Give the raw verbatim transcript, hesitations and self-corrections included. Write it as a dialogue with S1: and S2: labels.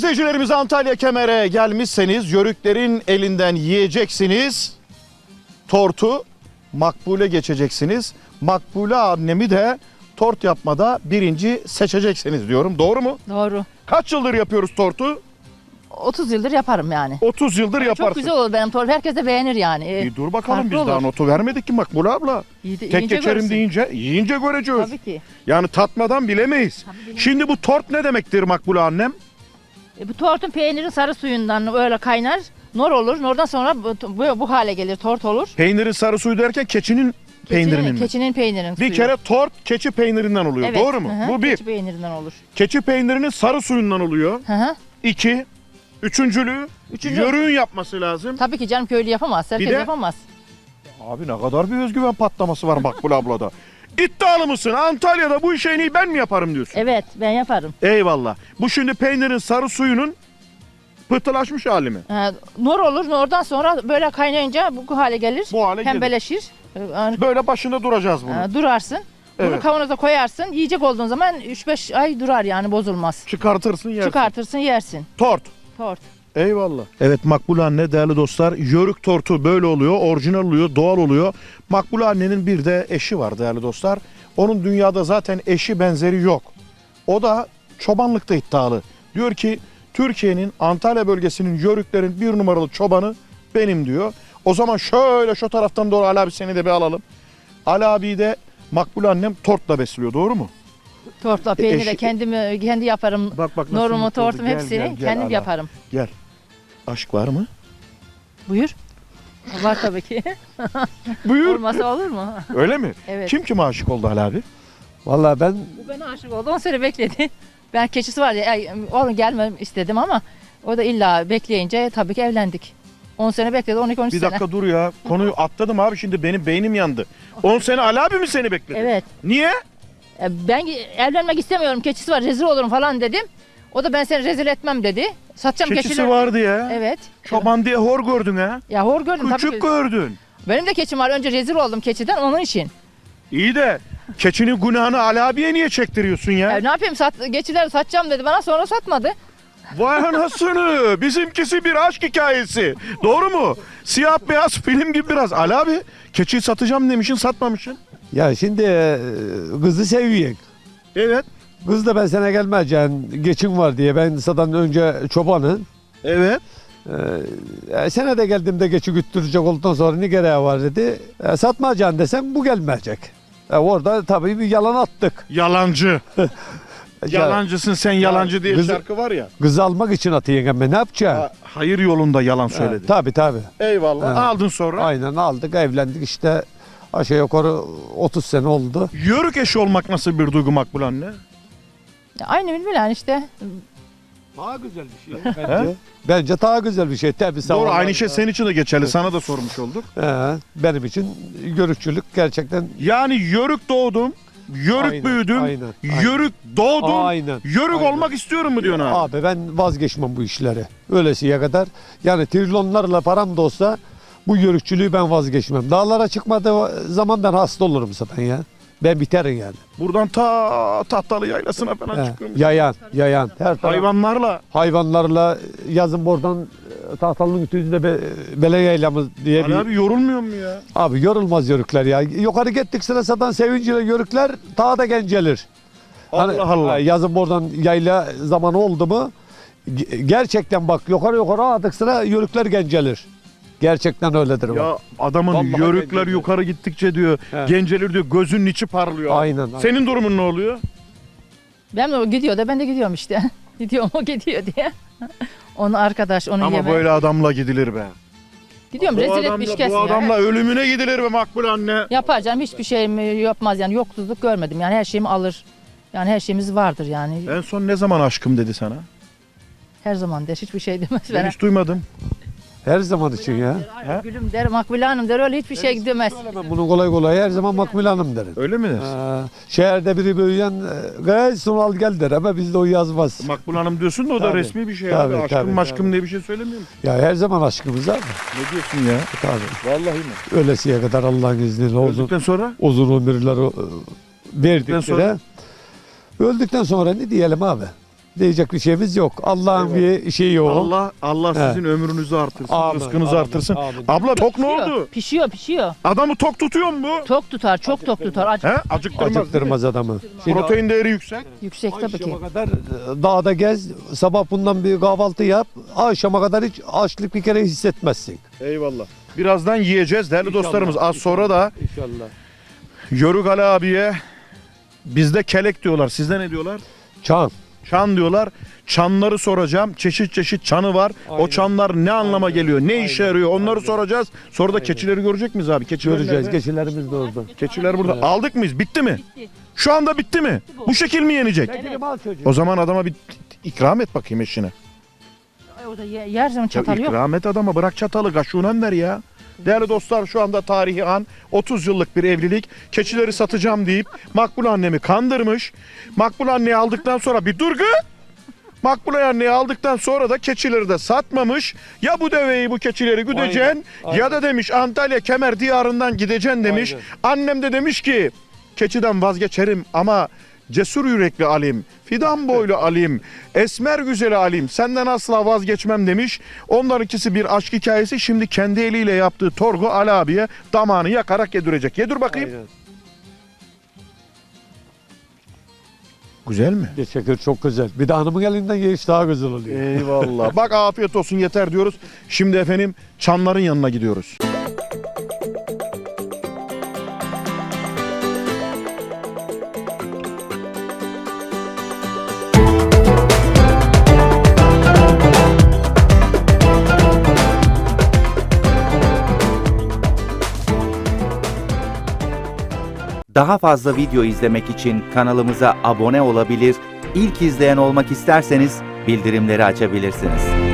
S1: izleyicilerimiz, Antalya Kemer'e gelmişseniz yörüklerin elinden yiyeceksiniz. Tortu Makbule geçeceksiniz. Makbule annemi de tort yapmada birinci seçeceksiniz diyorum. Doğru mu?
S2: Doğru.
S1: Kaç yıldır yapıyoruz tortu?
S2: otuz yıldır yaparım yani.
S1: otuz yıldır yaparsın.
S2: Çok güzel olur benim tortum. Herkes de beğenir yani. Ee,
S1: Bir dur bakalım,
S2: farklı
S1: biz daha
S2: olur.
S1: notu vermedik ki Makbule abla.
S2: İyi de-
S1: Tek
S2: yiyince
S1: geçerim
S2: görürsün.
S1: deyince yiyince göreceğiz.
S2: Tabii ki.
S1: Yani tatmadan bilemeyiz. Şimdi bu tort ne demektir Makbule annem?
S2: E, bu tortun peynirin sarı suyundan öyle kaynar. Nor olur. Nordan sonra bu, bu, bu hale gelir. Tort olur.
S1: Peynirin sarı suyu derken keçinin peynirinin
S2: Keçinin,
S1: mi?
S2: keçinin peynirinin
S1: Bir
S2: suyu.
S1: kere tort keçi peynirinden oluyor.
S2: Evet,
S1: Doğru mu?
S2: hı hı,
S1: Bu bir.
S2: Keçi peynirinden olur.
S1: Keçi peynirinin sarı suyundan oluyor.
S2: Hı hı.
S1: İki. Üçüncülüğü
S2: Üçüncü-
S1: yörüğün yapması lazım.
S2: Tabii ki canım, köylü yapamaz. Herkes
S1: de-
S2: yapamaz.
S1: Abi ne kadar bir özgüven patlaması var Makbule ablada. İddialı mısın? Antalya'da bu işi en iyi ben mi yaparım diyorsun?
S2: Evet, ben yaparım.
S1: Eyvallah. Bu şimdi peynirin sarı suyunun pıhtılaşmış hali mi?
S2: Ee, nor olur. Nordan sonra böyle kaynayınca bu hale gelir.
S1: Bu hale gelir.
S2: Pembeleşir. Ee, yani,
S1: Böyle başında duracağız bunu.
S2: e, durarsın. Bunu
S1: Evet.
S2: kavanoza koyarsın. Yiyecek olduğun zaman üç beş ay durar yani, bozulmaz.
S1: Çıkartırsın yersin.
S2: Çıkartırsın, yersin.
S1: Tort.
S2: Tort.
S1: Eyvallah. Evet Makbule anne, değerli dostlar, yörük tortu böyle oluyor, orijinal oluyor, doğal oluyor. Makbule annenin bir de eşi var değerli dostlar. Onun dünyada zaten eşi benzeri yok. O da çobanlıkta iddialı. Diyor ki Türkiye'nin Antalya bölgesinin yörüklerin bir numaralı çobanı benim diyor. O zaman şöyle şu taraftan doğru Ali abi seni de bir alalım. Ali abi de Makbule annem tortla besliyor, doğru mu?
S2: Tortla, peyniri de
S1: eşi-
S2: kendimi kendi yaparım.
S1: Bak bak nasıl
S2: Norumu,
S1: mutlu oldu.
S2: tortum
S1: Gel,
S2: hepsini
S1: gel, gel
S2: kendim
S1: Ali abi.
S2: yaparım.
S1: Gel. Aşk var mı?
S2: Buyur. Var tabii ki.
S1: Buyur.
S2: Olmasa olur mu?
S1: Öyle mi?
S2: Evet.
S1: Kim kime aşık oldu Ali abi?
S3: Vallahi ben
S2: Bu bana aşık oldu. on sene bekledi. Ben keçisi var ya, ay, oğlum gelmem istedim ama o da illa bekleyince tabii ki evlendik. on sene bekledi, on iki on üç
S1: Bir
S2: sene.
S1: dakika dur ya. Konuyu atladım abi, şimdi benim beynim yandı. on sene Ali abi mi seni bekledi?
S2: Evet.
S1: Niye?
S2: E, Ben evlenmek istemiyorum, keçisi var, rezil olurum falan dedim. O da ben seni rezil etmem dedi. Satacağım
S1: Keçisi
S2: keçileri.
S1: vardı ya.
S2: Evet.
S1: Çoban diye hor gördün ha.
S2: Ya hor gördüm tabii
S1: Küçük
S2: ki.
S1: gördün.
S2: Benim de keçim var. Önce rezil oldum keçiden, onun için.
S1: İyi de keçinin günahını Ali abiye niye çektiriyorsun ya?
S2: Ya ne yapayım, sat, keçileri satacağım dedi bana, sonra satmadı.
S1: Vay anasını. Bizimkisi bir aşk hikayesi. Doğru mu? Siyah beyaz film gibi biraz. Ali abi keçiyi satacağım demişsin, satmamışsın.
S3: ya şimdi e, kızı seviyorum.
S1: Evet.
S3: Kız da ben sana gelmeyeceğim, geçim var diye. Ben zaten önce çobanım.
S1: Evet.
S3: E, sene de geldiğimde geçi güttürecek olduktan sonra ne gereği var dedi. E, satmayacaksın desem bu gelmeyecek. E, orada tabii bir yalan attık.
S1: Yalancı.
S3: Ya,
S1: Yalancısın sen, yalancı diye
S3: kızı-
S1: şarkı var ya.
S3: Kızı almak için atayım ama ne yapacağım?
S1: Ha, hayır yolunda yalan söyledi.
S3: E, tabii tabii.
S1: Eyvallah.
S3: Ha.
S1: Aldın sonra.
S3: Aynen aldık, evlendik işte. Aşağı yukarı otuz sene oldu.
S1: Yörük eşi olmak nasıl bir duygu Makbule anne?
S2: Ya aynı bilmiyorum işte.
S3: Daha güzel bir şey bence. Bence daha güzel bir şey. Tabii sağ
S1: Doğru,
S3: ol.
S1: aynı şey senin için de geçerli. Sana da sormuş olduk.
S3: He, benim için görükçülük gerçekten
S1: Yani yörük doğdum, yörük
S3: Aynen,
S1: büyüdüm,
S3: aynen, aynen.
S1: yörük doğdum,
S3: Aynen,
S1: yörük
S3: aynen.
S1: olmak istiyorum mu diyorsun abi?
S3: Abi ben vazgeçmem bu işleri. Öylesiye kadar. Yani trilyonlarla param da olsa bu yörükçülüğü ben vazgeçmem. Dağlara çıkmadığı zaman ben hasta olurum zaten ya. Ben biterim yani.
S1: Buradan ta Tahtalı Yaylası'na falan
S3: He,
S1: çıkıyorum.
S3: yayan, yayan. Her taraf
S1: Hayvanlarla.
S3: hayvanlarla yazın buradan e, Tahtalı'nın ütüsünde be, bele yaylamız diye
S1: Ali
S3: bir...
S1: abi yorulmuyor mu ya?
S3: Abi yorulmaz yörükler ya. Yukarı gittik sıra satan sevinciyle yörükler daha da gencelir. Hani,
S1: Allah Allah.
S3: ha, yazın buradan yayla zamanı oldu mu ge- gerçekten bak yukarı yukarı attık sıra yörükler gencelir. Gerçekten öyledir bak.
S1: Ya adamın
S3: Vallahi
S1: yörükler
S3: genceliyor.
S1: yukarı gittikçe diyor,
S3: He.
S1: gencelir diyor, gözünün içi parlıyor.
S3: Aynen, aynen.
S1: Senin durumun ne oluyor?
S2: Ben de o gidiyor da ben de gidiyorum işte. Gidiyorum, o gidiyor diye. Onun arkadaş, onun
S1: Ama
S2: yemeği.
S1: böyle adamla gidilir be.
S2: Gidiyorum,
S1: Bu
S2: rezil
S1: adamla,
S2: etmiş
S1: bu
S2: kesin ya.
S1: adamla ölümüne gidilir be Makbule anne.
S2: Yapar canım, hiçbir şeyimi yapmaz yani, yoksuzluk görmedim yani, her şeyimi alır. Yani her şeyimiz vardır yani.
S1: En son ne zaman aşkım dedi sana?
S2: Her zaman der, hiçbir şey demez.
S1: Ben
S2: Ben
S1: hiç duymadım.
S3: Her zaman için ya.
S1: He?
S2: Gülüm der, Makbule Hanım der, öyle hiçbir şey demez.
S3: Ben bunu kolay kolay her zaman Makbule Hanım derim.
S1: Öyle mi?
S3: Ha, şehirde biri büyüyen gayet Sunal gel der ama bizde o yazmaz.
S1: Makbule Hanım diyorsun da o da
S3: Tabii.
S1: resmi bir şey
S3: Tabii,
S1: abi. Aşkım
S3: tabii,
S1: maşkım
S3: tabii.
S1: diye bir şey söylemiyor musun?
S3: Ya her zaman aşkımız abi.
S1: Ne diyorsun ya?
S3: Tabii.
S1: Vallahi mi?
S3: Ölesiye kadar Allah'ın izniyle uzun,
S1: Öldükten sonra?
S3: uzun ömürler e, verdik
S1: Öldükten sonra?
S3: de. Öldükten sonra ne diyelim abi? Diyecek bir şeyimiz yok. Allah'ın bir şeyi o.
S1: Allah Allah
S3: He.
S1: sizin ömrünüzü artırsın,
S3: Amin,
S1: rızkınızı
S3: amin,
S1: artırsın.
S3: amin.
S1: Abla tok ne
S2: Pişiyor,
S1: oldu?
S2: Pişiyor, pişiyor.
S1: Adamı tok tutuyor mu bu?
S2: Tok tutar, çok tok tutar. Acı,
S1: He? Acıktırmaz.
S3: Acıktırmaz adamı. Şimdi
S1: Protein değeri yüksek.
S2: yüksek tabii ki.
S3: akşama kadar e, dağda gez, sabah bundan bir kahvaltı yap, akşama kadar hiç açlık bir kere hissetmezsin.
S1: Eyvallah. Birazdan yiyeceğiz değerli
S3: İnşallah,
S1: dostlarımız. Az sonra da
S3: İnşallah.
S1: Yörük Ali abiye bizde kelek diyorlar. Sizde ne diyorlar?
S3: Çan.
S1: Çan diyorlar. Çanları soracağım. Çeşit çeşit çanı var. O
S3: Aynen.
S1: çanlar ne anlama
S3: Aynen.
S1: geliyor? Ne
S3: Aynen.
S1: işe yarıyor? Onları
S3: Aynen.
S1: soracağız. Sonra da
S3: Aynen.
S1: keçileri görecek miyiz abi? Keçiler
S3: Göreceğiz.
S1: nerede?
S3: Keçilerimiz de orada.
S1: Keçiler burada.
S3: Evet.
S1: Aldık mıyız? Bitti mi?
S2: Bitti.
S1: Şu anda bitti mi?
S2: bu.
S1: Bu şekil mi yenecek?
S3: Çekilim al çocuğu.
S1: O zaman adama bir ikram et bakayım eşine.
S2: Ay, o da ye- yer zaman
S1: Ya
S2: çatal yok.
S1: ikram et adama, bırak çatalı, kaşığından ver ya. Değerli dostlar, şu anda tarihi an, otuz yıllık bir evlilik. Keçileri satacağım deyip Makbule annemi kandırmış. Makbule anneyi aldıktan sonra bir durgu. Makbule anneyi aldıktan sonra da keçileri de satmamış. Ya bu deveyi, bu keçileri güdeceksin
S3: Aynen, aynen.
S1: ya da demiş Antalya Kemer diyarından gideceksin demiş.
S3: Aynen.
S1: Annem de demiş ki keçiden vazgeçerim ama cesur yürekli Alim, fidan boylu Alim, esmer güzeli Alim senden asla vazgeçmem demiş. Onların ikisi bir aşk hikayesi. Şimdi kendi eliyle yaptığı torgu Ali abiye damağını yakarak yedirecek. Yedir bakayım.
S3: Aynen.
S1: Güzel mi?
S3: Teşekkür, çok güzel. Bir de hanımın elinden ye iş daha güzel oluyor.
S1: Eyvallah. Bak afiyet olsun, yeter diyoruz. Şimdi efendim çanların yanına gidiyoruz.
S4: Daha fazla video izlemek için kanalımıza abone olabilir, ilk izleyen olmak isterseniz bildirimleri açabilirsiniz.